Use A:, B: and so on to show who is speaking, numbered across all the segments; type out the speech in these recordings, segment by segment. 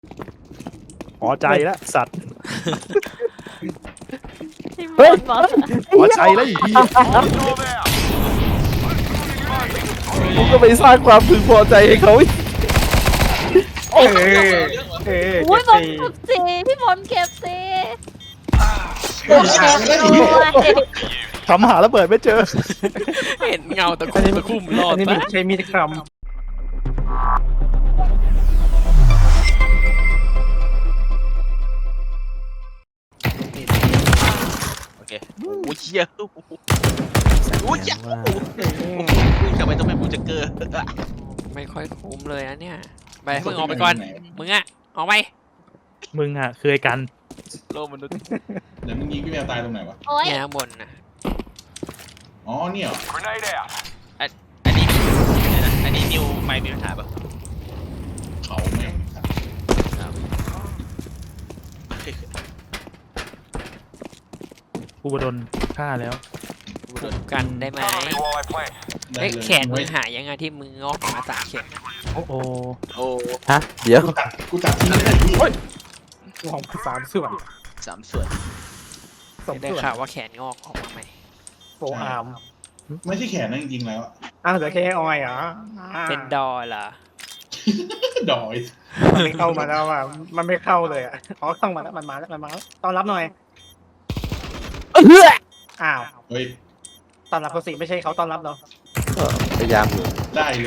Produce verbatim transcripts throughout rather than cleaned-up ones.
A: พอใจแล้วสัตว์
B: เฮ้ยบอก
A: พอใจแล้วอีกที
C: กูก็ไปสร้างความพึงพอใจให้เขาอีก
A: เอ้เอ้
B: โอ้ยบอลเก็บซีพี่บอลเก็บซีเก็บด้วย
A: ทำหาระเบิดไม่เจอ
D: เห็นเงาตะคุ่มตะคุ่มรอด
E: อันนี้
D: ปะ
E: ใช้มีดกรัม
D: โอเคโอ้ยเหี้ยโอ้ยเหี้ยทำไมต้องเป็นบูจักเกอร์ไม่ค่อยคุ้มเลยนะเนี่ยไปมึงออกไปก่อนมึงอะออกไป
A: มึงอ่ะเคยกัน
D: โลกมนุษย์
F: เดี๋ยวมึงยิงพี่แมวตายตรงไหนวะ
B: โอ้ย
D: เนี่ยข้างบนนะ
F: อ๋อเนี่ยเหรอ
D: อันนี้อันนี้นิวไม่มีปัญหาปะ
F: เขาแม่งครับ
A: กูโดนฆ่าแล้ว
D: ดูกันได้ไหม
F: ได้
D: เฮ้ย
F: เลย
D: แขนมึงหายยังไงที่มึงงอกมาสามเข็ม
A: โอ้โห
D: โอ้
C: ฮะเดี๋ยว
F: กูตัดกูตัดทิ้งไม่ได้พี่
E: ลองสามส่วน
D: สามส่วน
E: สอง
D: ได้
E: ส่วน
D: ข่าวว่าแขนงอกออกมาใหม่
E: โฟอาร์ม
F: ไม่ใช่แขนนะจริงๆแล้วอะ
E: อ้าวเหลือแค่ออยเหรอ
D: เป็นดอเหรอ
F: ดอย
E: มันไม่เข้ามาแล้วอ่ะมันไม่เข้าเลยอ่ะอ๋อต้องมาแล้วมันมาแล้วมันมาแล้วต้อนรับหน่อย
C: เฮ้ย
E: อ้าว
F: เฮ้ย
E: ต้อนรับเขาสิไม่ใช่เขาต้อนรับเรา
C: พยายามอยู่
F: ได้เลย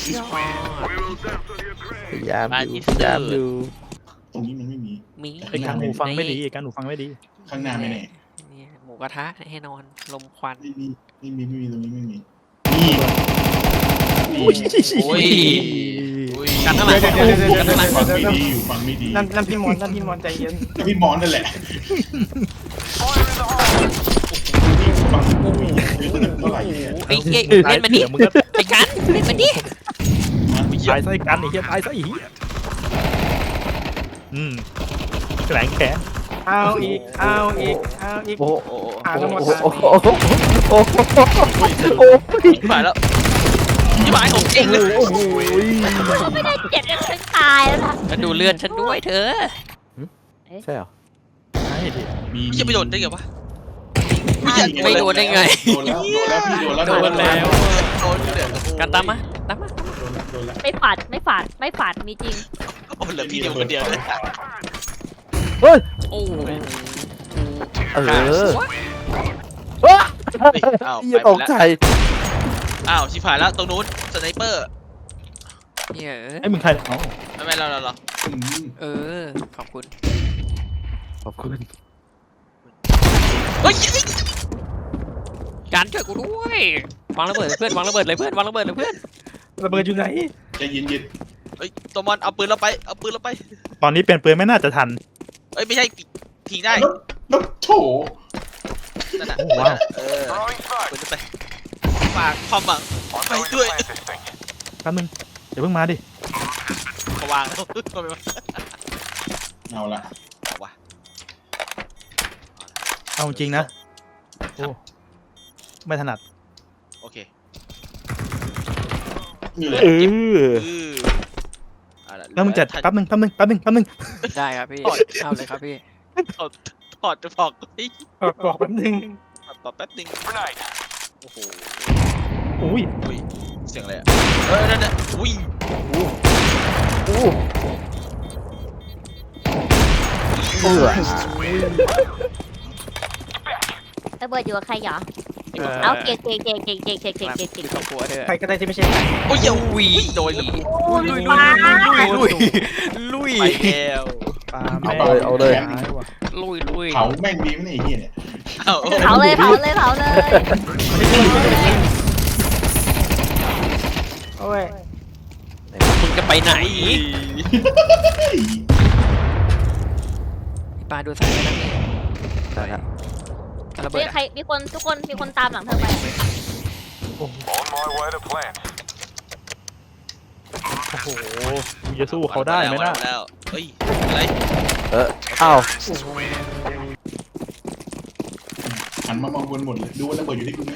C: พยายามอยู่พยายามอยู่
F: ตรงนี้มันไม่มี
D: มี
A: ไอ้การหูฟังไม่ดีไอ้การหูฟังไม่ดี
F: ข้างหน้าไม่แน่
D: เนี่ยหมูกระทะให้นอนลมควัน
F: ไม่มีไม่มีไม่มีตรงนี้ไม่มีนี่นี่
D: โอ้ยกันข้างหลังกันข้างหลัง
F: ฟังไม่ดีอยู่ฟังไม่ดี
E: นั่นนั่นพี่มอนนั่นพี่มอนใจเย็น
F: แล้วพี่มอนนั่นแหละฟังกูอีกเท่าไหร่เนี่ย
D: ไอ้เอ๊ะเล่นมันดิ
A: เดี๋ยวมึงก็
D: ไอ้กันเล่นมันดิ
A: ตายซะไอ้กันไอ้เหี้ยตายซะไอ้เหี้ยอืมแหลงแขน
E: เอาอีกเอาอีกเอาอีก
C: โอ้โห
D: โอ้โห
E: อ่าทั้งหมด
C: โอ้โหโอ้โหโอ้โหโอ้โห
D: หายแล้วที่หมายของจริงเลย
C: โอ้โห
B: ไม่ได้เจ็ดยังถึงตายแล้วนะ
D: มาดูเลื่อนฉันด้วยเธอ
C: ใช่เหรอ
A: ใช่ดิ
F: มี
D: ไม่จะไปโดนได้ไงวะ
F: ไม่
D: ไม่โดนได้ไง
F: โดนแล้วโดนแล้วพี่โดนแล้ว
D: โดนแล้วโดนเดือดกันตามมาตามมา
F: โดนแล้วโดนแล้ว
B: ไม่ฝาดไม่ฝาดไม่ฝาดมีจริง
D: โอ้เหลือพี่เดียวคนเดียวเลย
C: เฮ้ย
D: โอ้
C: เออ
D: อ้าว
C: เหี้ยตกใจ
D: อ้าวชิบหายแล้วตรงนู้นสไนเปอร์เนี่ย
A: ไอ้มึงใครอ๋อ
D: ไม่ไม่เราเราเรา
F: อืม
D: เออขอบคุณ
C: ขอบคุณ
D: เฮ้ยการช่วยกูด้วยวางระเบิดเพื่อนวางระเบิดเลยเพื่อนวางระเบิดเลยเพื่อน
E: ระเบิดอยู่ไหน
F: ใจเย็นเย็น
D: เฮ้ยตัวมอนเอาปืนเราไปเอาปืนเราไป
A: ตอนนี้เปลี่ยนปืนไม่น่าจะทัน
D: เอ้ยไม่ใช่พิงได้
F: แล้วแล้วโถ
D: นั่นน่ะ
A: โอ้ว้าว
D: เออปืนไปฝากความหวังไปด้วย
A: แป๊บนึงเดี๋ยวเพิ่งมาดิ
D: เขาวางแล้วก็ไม่มา
F: เอาละ
D: เอาวะ
A: เอาจริงนะโอ้ไม่ถนัด
D: โอเค
F: นี่แหละ
C: เออ
D: อือเอาะ
A: แล้วมึงจัดแป๊บนึงแป๊บนึงแป๊บนึงแป๊บนึง
D: ได้ครับพี่เอาเลยครับพี่ถอดถอดจะถอดเฮ้ย
E: บอกบอกแป๊บนึง
D: ถอดถอดแป๊บนึงโอ้โห
A: อุ้ย
D: อุ้ยเสียงอะไรอ่ะเออนั่นน่ะอุ้ย
C: โอ้เบื่อ
B: ระเบิดอยู่กับใครเหรอ
D: เออ
B: เอาเก่งเก่งเก่งเก่งเก่งเก่งเก่งเก่งเก่ง
D: ครอบครัวเธอ
E: ใครก็ได้ที่ไม่ใช่ใคร
D: โอ้ยอย่าอุ้ยโดนเลย
B: ลุยมา
D: ลุยลุยไปแล้ว
A: ปา
C: เอาเลยเอาเลย
D: ลุยลุย
F: เผาแม่งดีไหมเนี่ยไอ้เหี้ยเนี่ย
D: เอา
B: เผาเลยเผาเลยเผาเลย
E: โอ้ย
D: มึงจะไปไหนปลาดูสายนะพี่
C: ได้แล้ว
D: ระเบิ
B: มี
D: ด
B: ใครมีคนทุกคนมีคนตามหลังเธอไป
A: โอ้โหมึงจะสู้เขาได้ไหมน่ะ
D: แล้วเฮ้ยอะไร
C: เอออ้าว
F: หันมามองบนหมดเลยดูว่าระเบิดอยู่ที่กูไหม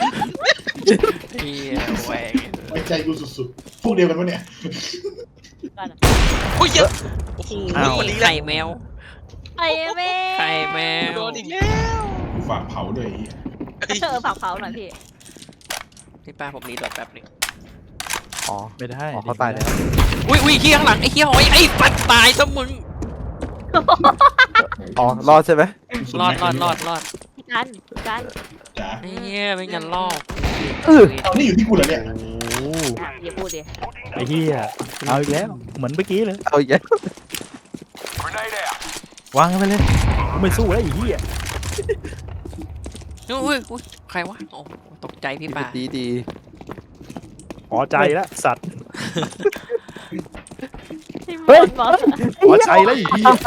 D: เฮียแหวง
F: ไว้ใจกูสุดๆพวกเดียวกันปะเนี่ย
B: กันอะ
D: โอ้ยเยอะโอ้โห
C: อ้าว
D: วันนี้แหละ
A: ไข่แมว
B: ไอ้แม่
A: ไข่แมว
D: โดนอีกแล้ว
F: กูฝากเผาด้วยไอ้เหี้ย
B: เธอผักเผาหน่อยพี่
A: พี่ป้าผมรีโหลดแป๊บหนึง
C: อ๋อ
G: ไม่ได้
C: อ๋อเขาตายแล้ว
A: อุ้ยอุ้ยเฮียข้างหลังไอ้เฮียหอยไอ้ปัดตายซะมึง
C: อ๋อ รอดใช่ไหม
A: รอดรอดรอดรอด
B: พี่กันพี่กัน
F: จ๋า
A: ไอ้เฮียไม่งั้นลอก
C: เออ
F: เอานี่อยู่ที่กูเหรอเนี่ย
G: โอ้
B: อ่ะอย่าพูดดิ
G: ไอ้เหี้ยเอาอีกแล้ว เหมือนเมื่อกี้เลย
C: เอาอีกแล้ว
G: วางกันไปเลยกูไม่สู้แล้วไอ้เหี้ย
A: อุ้ยอุ้ยใครวะโอ้ตกใจพี่ป้า
C: ดีดี
G: พอใจแล้วสัตว์
B: พี่บอลบอก
G: พอใจแล้วไอ้เหี้ย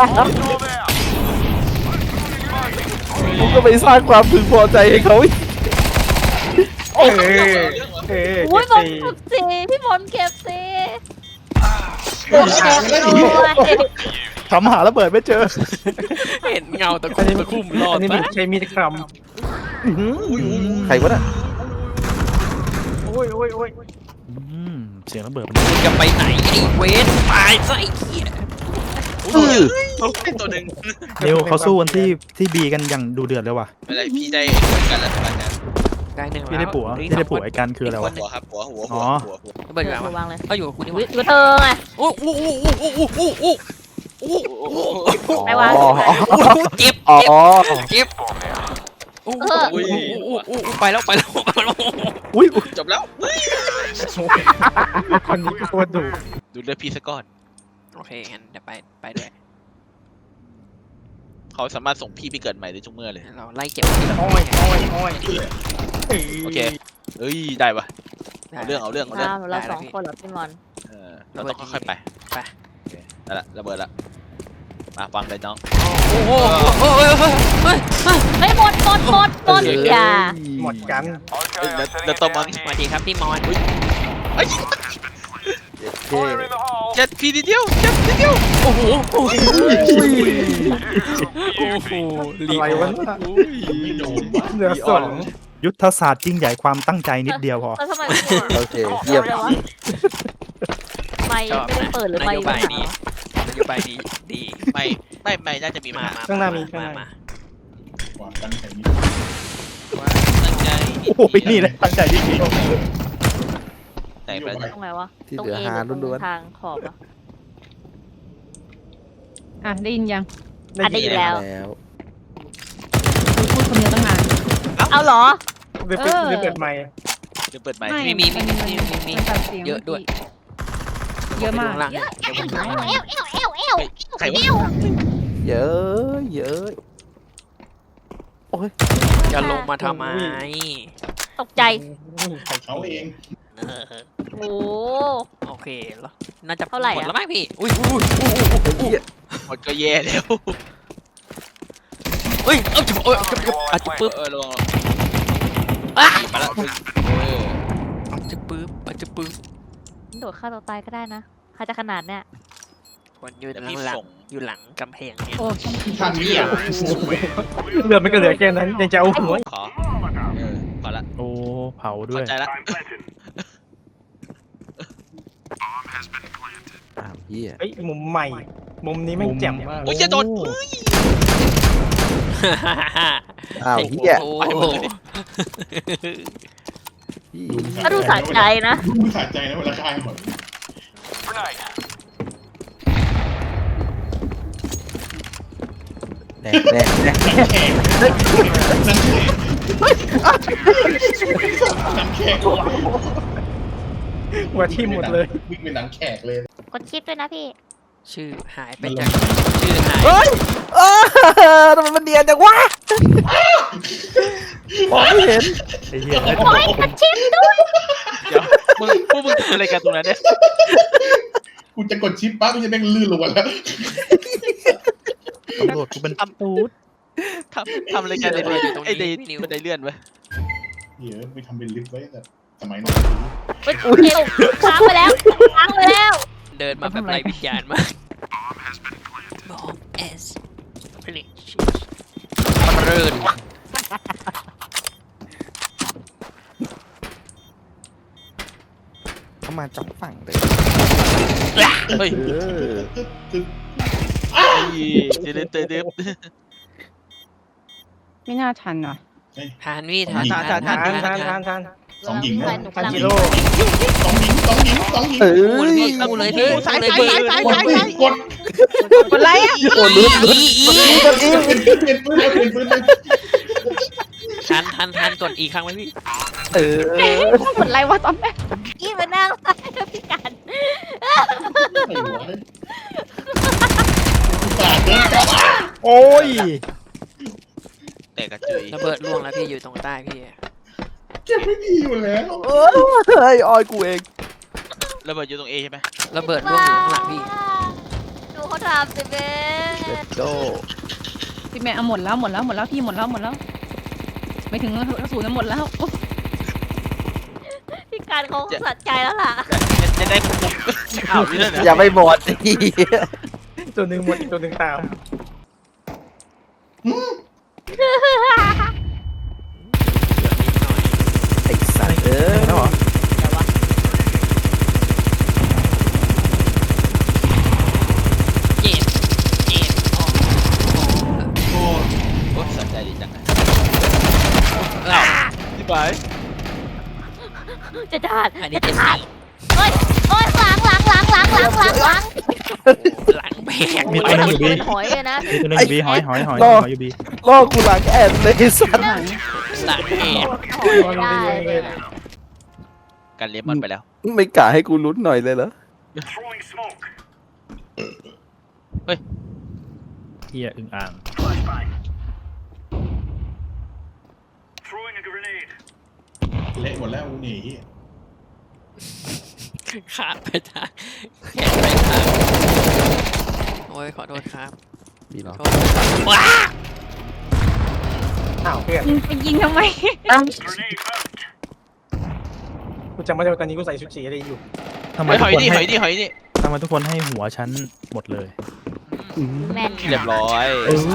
C: ผมก็ไปสร้างความพึงพอใจให้เขาอีก
E: เออเออ
B: อุ้ยบ
E: เก็
B: อบ ล
E: สี่
B: เก็บสิพี่บอลเก็บสิ
F: เฮ้ยหาไม่ได้อีก
B: โอ้ย
G: ทำหาระเบิดไม่เจอ
A: เห็นเงาตะคุ่มตะคุ่มรอ
E: อั
A: ด
E: นนี้
A: ปะ
E: มีใช้มีดครัม
C: ใครวะน่ะ
E: โอ้ยโอ้ยโอ้ย
G: อืมเสียงระเบิดมัน
A: มึงจะไปไหนไอ้เวนตายซะไอ้เฮีย
C: เออ
D: โอ้ยตัวหนึ่ง
G: เร็วเขาสู้กันที่ที่บีกันอย่างดูเดือดเลยว่ะ
D: ไม่ได้พี่ได้เหมือนกันแล้วตอนนี้
A: ได้หนึ่ง
G: พี่
A: แล้
G: ได้
A: ว
G: ผัว
A: เหลืออี
G: พี่
A: ก
G: ได้
A: ส
G: ผั
A: อ
G: ว
A: งคน
G: ไอ้กันคืออะไรวะ
D: หัวครับหัวหัว
G: อ๋
D: หัว
G: อ
D: หัวหัว
A: ระเบิดอยู่ไหน
B: วาว
A: ะ
B: งเลย
A: ก็อยู่กับคุณนี่
B: วิ
A: วะ
B: อยู่กับเธอไง
A: โอ้โหโอ้โหโอ้โหโอ้โหโอ้โหโอ้โหโอ้โห
B: ไปวาง
C: อ๋อ
A: โอ้โหเจ็บ
C: อ๋อ
A: เจ็บโอ้โหโอ้โหโอ้โหโอ้โหไปแล้วไปแล้วไปแล้ว
G: อุ้ย
D: จบแล้ว
E: คนนี้โคตรดุ
D: ดูเลือดพี่ซะก่อน
A: โอเคงั้นเดี๋ยวไปไปด้วย
D: เขาสามารถส่งพี่ไปเกิดใหม่ได้ทุกเมื่อเลย
A: เราไล่เจ็บทีละ
E: โอ้ยโอ้ยโอ้ย
D: โอเคเอ้ยได้ปะเอาเรื่องเอาเรื่องเอาเรื่อง
B: อ้าวเราสองคนเหรอพี่บอล
D: เออเราต้องค่อยๆไปโอเคนั่นแหละระเบิดละมาฟังเลยน้อง
A: โอ้โหโอ้โหเฮ้ยเฮ้ยเฮ้ย
B: ไม่หมดหมดหมดหมดอย่า
E: หมดกัน
D: เอ้ยแล้วแล้วตัวมัน
A: สวัสดีครับพี่มอน
D: ไอ้ย
C: เท่
D: เจ็ดพี่นิดเดียวเจ็ดนิดเดียว
A: โอ้โหโอ้โหโอ้โห
E: อะไรวะเนี่ย
F: ไม่โดนวะ
E: เหลือสอง
G: ยุทธศาสตร์ยิ่งใหญ่ความตั้งใจนิดเดียวพอ
B: แล้วทำไมพี่บอล
C: โอเคเยี่ยม
B: อาลวะไม่ไม่ได้เปิดหรือไม่
A: นโย
B: ไม่
A: บายนี้นโยบายนี้ดี
D: ไม่ไม่ไม่น่าจะมี
A: มา
D: มา
A: มา
E: ข้างหน้ามีข้างห
A: มา
E: น้า
A: มา
F: กว่ากันแข่งนี้
D: ตั้งใจ
G: โอ้โหนี่แหละตั้งใจจริง
D: ไหนไปไหน
B: ตรงไหนวะ
C: ที่
B: ตรง
C: เหลือ
B: เอ
C: หา
B: หรือต
C: ล้
B: ร
C: ว
B: ง
C: น
B: ทางขอบอะ
H: อ่ะได้ยินยัง
B: อ่ะได้ยิน
C: ๆ
B: แล้ว
C: แล้ว
H: คุยพูดคนเดียวตั้งนาน
B: เอาเหรอ
E: เดี๋ยวเปิด
H: เออ
E: เดี๋ยวเปิดใหม่
D: เดี๋ยวเปิดใหม่
A: มีมีมีมีมีมี
H: นตัดเสีง
A: เยอะด้วย
H: เยอะมาก
A: เดี๋ยวผมดูข้างล่าง
B: เอวเอวเอวเอว
D: ใครวะ
C: เยอะเยอะ
A: จะลงมาทำไม
B: ตกใจ
F: เขาเอง
A: เออ
B: โอ้
A: โอเคแล้วน่าจะ
B: เท่าไหร่
A: หมด
B: อะ
A: แล้วมั้งพี่อุ้ยอุ้ยอุ้ยอุ้ย
D: หมดก็แย่แล้ว
A: เฮ้ยเอ้าจะเอ้ยจะจะอาจจะปึ๊บ
D: เออลง
A: อ่ะ
D: มาแล้วเออ
A: อาจจะปึ๊บอาจจะปึ๊บ
B: โดดฆ่าตัวตายก็ได้นะใครจะขนาดเนี้ย
A: คนอยู่
D: เดี๋ยว
A: หลั
D: พี่
A: งหลัง
D: ส่ง
A: อยู่หลังกำแพงเนี่ย
H: โอ้
F: ทางนี้เหรอ
E: เหลือไม่ก็เหลือแค่นั้นยังจะเอาหัว
D: ขอเออพอละ
G: ๆโอ้เผาด้ว
D: เข้าย ใจละ
C: อ้าวเฮีย
E: เฮ้ยมุมใหม่ มุมนี้แม่งแจ่มมาก
D: โอ้ยจะโดน
C: อ้าวเฮีย
A: โอ้
D: ไปหมด
A: โห
D: เลย
B: ก็ดูสะใจนะ
F: ดูสะใจนะเวลาฆ่าให้หมด
C: แน่แน่แน่
F: แข่งนั่นแข่งนั่นแข่ง
E: หัวทิ่มหมดเลย
F: วิ่งเป็นหนังแขกเลย
B: กดชิปด้วยนะพี่
A: ชื่อหายไปจากชื่อหาย
C: เฮ้ยเออทำไมมันเนียนจังวะมองไม่เห็น
G: ไอ้เหี้ย
B: โอ้ยกดชิปด้วย
D: เดี๋ยวมึงพวกมึงทำอะไรกันตรงนั้นเนี่ย
F: กูจะกดชิปปั๊บมันจะแม่งลื่นลงมาแล้ว
G: ตำรวจกูเป็นตูด
D: ทำทำอะไรกันในเรือไอ้เดย์มันได้เลื่อนไว้
F: เดี๋ยวไปทำเป็นลิฟต์ไว้แต่สมัยนั้น
B: เฮ้ยเอวค้างไปแล้วค้างไปแล้ว
A: เดินมาแบบไรวิญญาณมากบอมเอสพลิชมันเริน
C: เขามาจับฝั่งเลย
D: เฮ้ย
C: เออ
D: เดี๋ยวเดี๋ยวเดี๋ยวเดี๋ยว
H: ไม่น่าทันว่ะ
A: ทานพี่ทาน
E: ทานทานทานทานทานทาน
F: สองหญิง
B: แฟ
F: นะ
B: นหนู
E: ทาน
B: กำลัง
E: กิโล
F: สองหญิงสองหญิงสองหญิง
C: เออ
A: คู่เลยพี่คู่เลยพี่
D: สาย
A: คู่
D: สาย
A: เลย
D: สาย
A: พี่
D: สายสาย
F: กดกด
H: อะไรอ่ะ
C: โอ้ลุ้นลุ้น
A: อีอี
C: ลุ้นกันอีก
F: เปลี่ยนปืนเปลี่ยนปืนเลย
A: ทานทานทานกดอีกครั้งไหมพี่
C: เออ
H: หมดไรวะตอนแรก
B: อีมานั่งใต้พี่กัน
F: ไอ้หัวปาดเดินกลับมา
G: โอ้ย
D: แตกกระจุย
A: ระเบิดล่วงแล้วพี่อยู่ตรงใต้พี่
F: เก็บไม่ดีอยู่แล้ว
C: เออไอ้ออยกูเอง
D: ระเบิดอยู่ตรงเอใช่ไหม
A: ระเบิดล่วงอยู่ข้างหลังพี่
B: ดูเขาทำสิเบ้
C: เด็ดโด
H: พี่แม่เอาหมดแล้วหมดแล้วหมดแล้วพี่หมดแล้วหมดแล้วไม่ถึงกระสุนหมดแล้ว
B: พี่การเขาสะใจแล้วล่ะ
D: จะได้คุมอ้าวนี่นั่นเหรอ
C: อย่าไปหมดอี
E: ตัวหนึ่งหมดอีกตัวหนึ่งตาม
C: ไอ้สัตว์เออ
G: แล้วเหรอ
A: เจ็บเจ็บอ๋อ
F: โอ้
D: โอ้สนใจดีจังนะ
A: อ้าว
D: ที่ไป
B: จะด่าน
A: อันนี้เจ็บสี่
B: โอ้ยโอ้ยหลังหลังหลังหลังหลังหลังหลัง
A: หลังแบก
G: มีตัวนึงอยู่บี
B: เป็นหอยเลยนะ
G: มีตัวนึงอยู่บีหอยหอยหอยหอยอยู่บี
C: ล่อกูหลังแอนเลยไอ้สัตว์
H: หลัง
A: หลังแบก
B: หอยได้เลยนะ
D: กันเลมอนไปแล้ว
C: ไม่กะให้กูลุ้นหน่อยเลยเหรอ
G: เฮียอึ่งอ่าง
F: เละหมดแล้วอูนี่
A: ขาดไปทางแขนไปทางโอ้ยขอโทษครับ
C: มีเนาะ
A: โทษว้า
E: อ้าวเพื่อน
H: ยิงไปยิงทำไม
E: กูจำไม่ได้ว่าตอนนี้กูใส่ชุดสีอะไรอยู่
G: ทำไม
D: เฮ้ย
G: ทุ
D: ห
G: ก
D: อย
G: คน
D: นี่ห
G: ให้
D: อยนี่หอยนี่
G: ทำไมทุกคนให้หัวฉันหมดเลย
B: แม่น
D: เรียบร้อย
C: เออ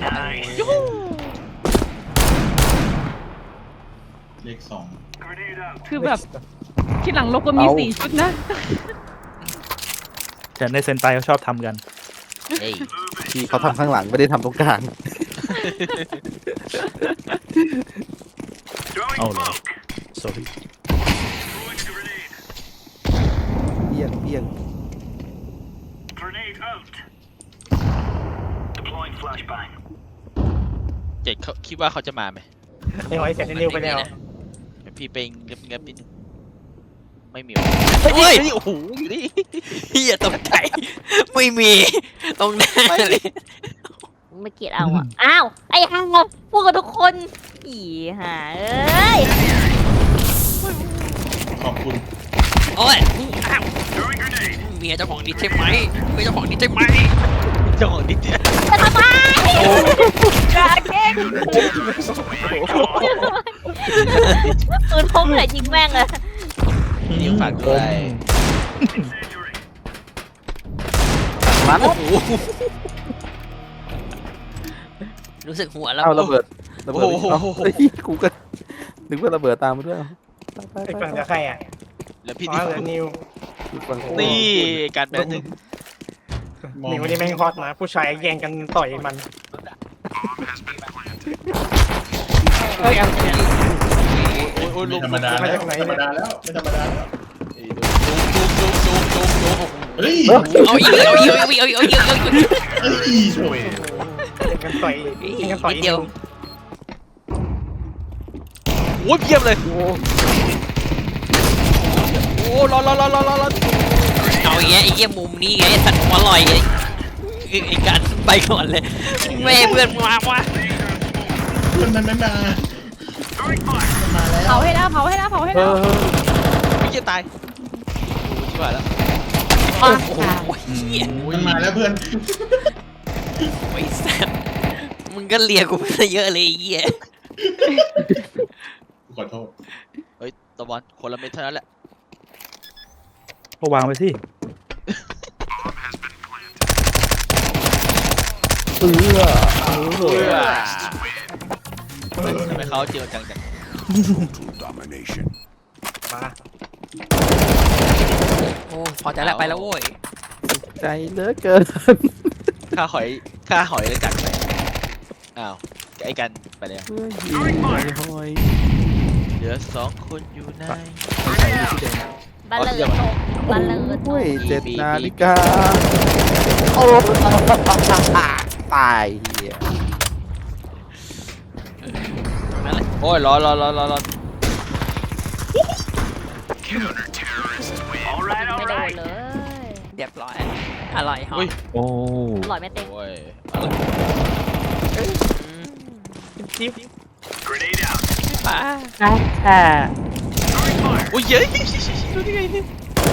F: เลขสอง
H: คือแบบที่หลังลบก็มีสี่ชุดนะ
G: แต่ในเซนไตเขาชอบทำกัน
D: เฮ้ย
C: ที่เขาทำข้างหลังไม่ได้ทำตรงกลาง
G: เอาเลย sorry
C: เบี้ยงเบี้ยง
D: เจ็ดเขาคิดว่าเขาจะมาไหม
E: ไอ้หอยเสร็จนิวไปแล้ว
D: พี่ไปเงียบเงียบนิดนึงไม่มีเฮ้ยเฮ้ยโอ้โหอยู่นี่
A: เฮียตกใจไม่มี ตรงหน้าเลย
B: ไม่เกลียดเอาอ่ะ อ้าว ไอ้ห่าพูดกับทุกคนอีห่าเอ้ย
F: ขอบคุณ
A: โอ้ยอ้าวเมียเจ้าของดิสใช่ไหมเมียเจ้าของดิสใช่ไหม
D: เจ้าของดิเจ
B: จะทำไมอย่าเก่งปืนพกเลยยิงแม่งเลย
D: นิ้วฝากด้วย
C: มัน
A: โอ้โหรู้สึกหัวแล้ว
C: เอาระเบิดระเบิดเอาเฮ้ยกูก็นึกว่าระเบิดตามมาด้วยไป
E: ไอ้
C: ไป
E: ฝั่ง
C: ไป
E: จะใครอ่ะ
D: แล้วพี่
E: อ๋อ
D: นิว
E: เหลือนิว
C: อีกฝั่งกู
D: นี่การแป๊บนึง
E: นิวนี่แม่งฮอตนะผู้ชายแย่งกันต่อยมัน
A: เฮ้ยเอา
D: โอ้ยโอ้ย
F: ไม่
D: ลุง
F: ธรรมดาแล้วไม่ธรรมดาแล้วไม่ธรรมดาแล้ว
D: ลุงลุงลุงลุงลุง
F: เฮ้ย
A: เอาอีกเอาอีกเอาอีกเอาอีกเอาอีกเอาอีก
F: เฮ้ยโถ่
E: แย่งกันต่อยแย่งกันต่อย
A: นิดเดียว
D: โอ้ยเยี่ยมเลยโอ้รอรอรอรอรอรอ
A: เอาอย่างเงี้ยไอ้เงี้ยมุมนี้ไงสัตว์หัวลอยไงไอ้การไปก่อนเลยแม่เพื่อนมาวะ
F: เพื่อนมันไม่มามาแล้ว
H: เผาให้แล้วเผาให้แล้วเผาให้
C: เอ
H: แล้ว
C: อ
D: ไม่จะตายโอ้ยชิบหายแล้ว
A: โอ้โหเหี้ย
F: มันมาแล้วเพื่อน
A: ไอ้สัตว์มึงก็เลียกูไปเยอะเลยไอ้เหี้ย
F: ขอโทษ
D: เฮ้ยตะวันคนละเม็ดเท่านั้นแหละ
G: ก็วางไปสิ
C: เออเออ
D: ทำไมเขาเจอจังจัง
E: มา
A: โอ้พอใจแล้วไปแล้วโว้ย
C: ใจเหลือเกิน
D: ค่าหอยค่าหอยเลยจัดไปอ้าวไอ้กันไปแล้ว
C: เพื่อยิงหอยหอย
D: เหลือสองคนอยู่ใน
B: บัลเลอร์ตกบัลเลอร์ต
C: โอ้ย
B: ก
C: เจ็ดนาฬิกาโอ้ตายเหี้ย
A: ตรงนั้นแหละ
D: โอ้ยร้อนร้อนร้อนร้อนร้อน
B: ไม่โดนเลย
A: เรียบร้อยอร่อยหอม
G: โอ้
B: อร่อยไม่เต็ง
D: โอ้ย
A: อืม
E: จิ๊บ
A: ป้า
C: แค่
D: โอ้ยเย้ยดูได้ไงเนี่ย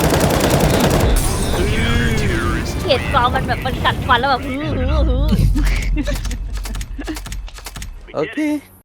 B: เขียดกรองมันแบบมันกัดฟันแล้วแบบฮือฮือฮือ
C: โอเค